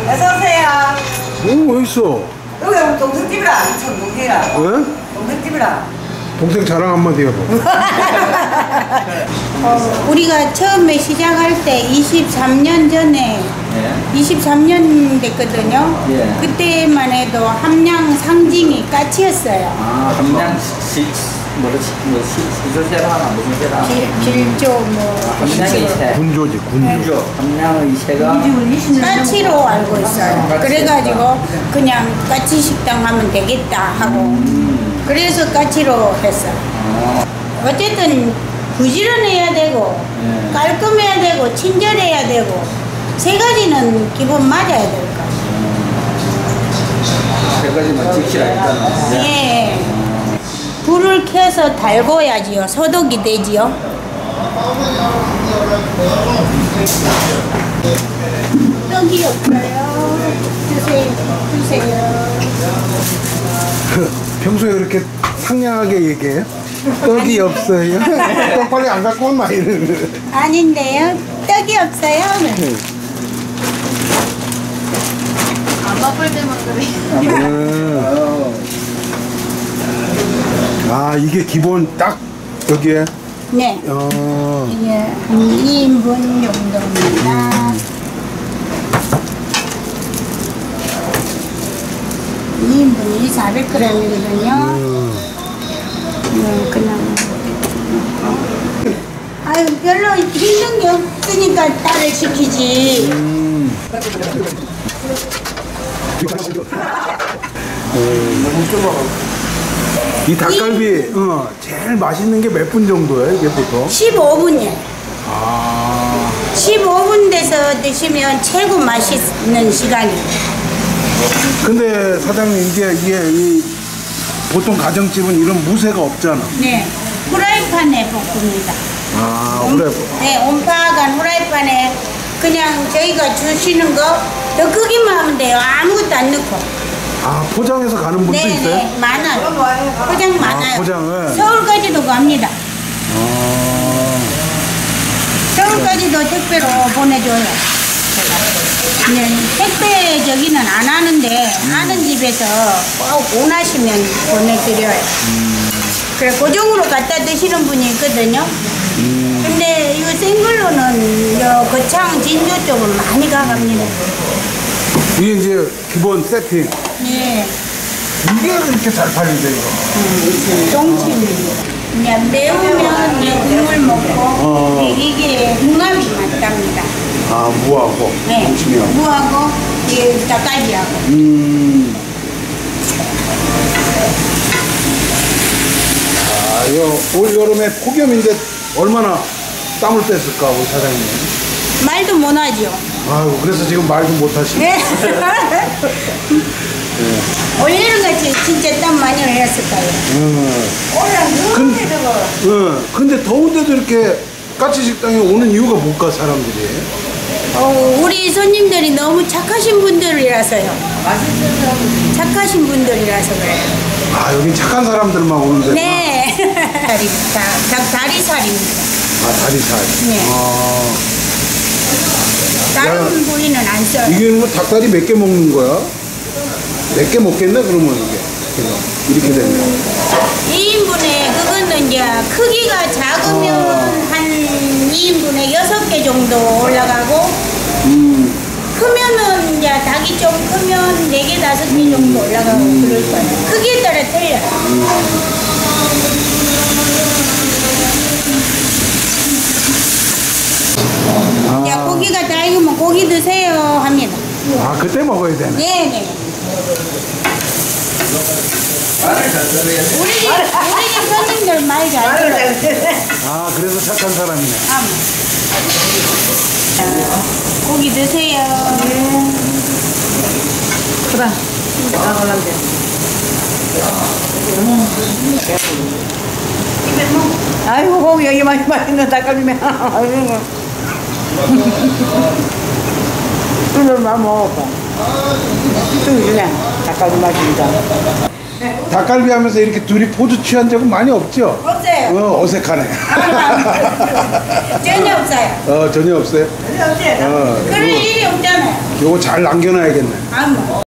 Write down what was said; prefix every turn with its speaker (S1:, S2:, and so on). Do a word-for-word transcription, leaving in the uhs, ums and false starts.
S1: 어서오세요.
S2: 오, 어딨어?
S1: 여기 우리 동생집이라. 전 동생이라.
S2: 왜?
S1: 동생집이라.
S2: 동생 자랑 한마디 해봐.
S3: 어, 우리가 처음에 시작할 때 이십삼 년 전에
S4: 예.
S3: 이십삼 년 됐거든요.
S4: 예.
S3: 그때만 해도 함량 상징이 까치였어요.
S4: 아, 함량 시, 뭐지, 뭐, 시조세라 하나, 무슨 세라?
S3: 길조 뭐
S4: 함량의 세.
S2: 군조지, 군조.
S4: 군조. 함량의 세가.
S3: 까치로 알고 있어요. 그래가지고 그냥 까치 식당 하면 되겠다 하고
S4: 음.
S3: 그래서 까치로 했어요.
S4: 아.
S3: 어쨌든 부지런해야 되고
S4: 예.
S3: 깔끔해야 되고 친절해야 되고 세 가지는 기본 맞아야 될 거예요.
S4: 세 가지만 지키라 일단은.
S3: 예. 불을 켜서 달궈야지요. 소독이 되지요. 떡이 없어요. 주세요. 주세요.
S2: 평소에 그렇게 상냥하게 얘기해요? 떡이 없어요? 떡 빨리 안 갖고 온나 이러는.
S3: 아닌데요. 떡이 없어요. 안 바쁠 때만 그래.
S2: 음. 아, 이게 기본 딱 여기에?
S3: 네.
S2: 어.
S3: 이게 한 이 인분 정도입니다.
S2: 음.
S3: 이 인분이 사백 그램이거든요.
S2: 음.
S3: 네, 그냥. 아유, 별로 힘든 게 없으니까 딸을 시키지.
S2: 음. 이 닭갈비 어, 제일 맛있는 게 몇 분 정도예요? 이게 보통?
S3: 십오 분이에요.
S2: 아.
S3: 십오 분 돼서 드시면 최고 맛있는 시간이에요.
S2: 근데 사장님 이게 이게 이 보통 가정집은 이런 무쇠가 없잖아.
S3: 네, 후라이팬에 볶습니다.
S2: 아,
S3: 온-
S2: 그래.
S3: 네, 온파간 후라이팬에 그냥 저희가 주시는 거 더 크기만 하면 돼요. 아무것도 안 넣고.
S2: 아, 포장해서 가는 분도
S3: 네,
S2: 있어요?
S3: 네, 많아요. 포장 많아요.
S2: 포장을?
S3: 서울까지도 갑니다.
S2: 아.
S3: 서울까지도 택배로 보내줘요. 네, 택배 저기는 안 하는데 하는 집에서 꼭 원하시면 보내드려요. 그래 고정으로 갖다 드시는 분이 있거든요. 근데 이거 생걸로는 요 거창 진주 쪽은 많이 가갑니다.
S2: 이게 이제 기본 세팅.
S3: 네,
S2: 이게 이렇게 잘 팔리죠, 이거.
S3: 똥침입니다. 그냥 매우면 이제 국물 먹고
S2: 어.
S3: 이게 궁합이 맞답니다.
S2: 아, 무하고.
S3: 네,
S2: 동치미하고.
S3: 무하고 이 닭갈비하고.
S2: 음. 아, 요, 올 여름에 폭염인데 얼마나 땀을 뺐을까, 우리 사장님.
S3: 말도 못하죠.
S2: 아이고, 그래서 지금 말도 못하시네.
S3: 네. 올여름같이 진짜 땀 많이 흘렸을 거예요.
S2: 음.
S3: 올라
S2: 근-
S3: 너무 더워.
S2: 응. 근데 더운데도 이렇게 까치 식당에 오는 이유가 뭘까, 사람들이?
S3: 어, 우리 손님들이 너무 착하신 분들이라서요. 착하신 분들이라서 그래요.
S2: 아, 여긴 착한 사람들만 오는데.
S3: 네. 다리, 다, 닭 다리살입니다.
S2: 아, 다리살.
S3: 네.
S2: 아.
S3: 다른
S2: 야.
S3: 부위는 안 써요.
S2: 이게 뭐 닭다리 몇 개 먹는 거야? 몇 개 먹겠네, 그러면 이게. 그냥 이렇게 되면.
S3: 이 인분에 그거는 이제 크기가 작으면
S2: 어.
S3: 한 이 인분에 여섯 개 정도 올라가고
S2: 음.
S3: 크면은 이제 닭이 좀 크면 네 개, 다섯 개 정도 올라가고 그럴 거예요. 크기에 따라 틀려요.
S2: 아.
S3: 야, 고기가 다 익으면 고기 드세요 합니다.
S2: 아, 그때 먹어야 되네.
S3: 네네. 우리 집, 우리 집 손님들 많이 잘 들어요.
S2: 아, 그래서 착한 사람이네.
S3: 아, 고기 드세요.
S1: 그래. 나가는데. 아이고, 고기 여기 많이 맛있는 닭갈비면. 아이고. 이걸만 먹어봐. 좀 그냥 닭갈비 맛입니다.
S2: 닭갈비 하면서 이렇게 둘이 포즈 취한 적은 많이 없죠?
S3: 없어요.
S2: 어, 어색하네.
S3: 전혀 없어요.
S2: 어, 전혀 없어요?
S1: 전혀 없어요.
S2: 어,
S3: 그럴 일이 없잖아요.
S2: 요거 잘 남겨놔야겠네.
S3: 아, 뭐.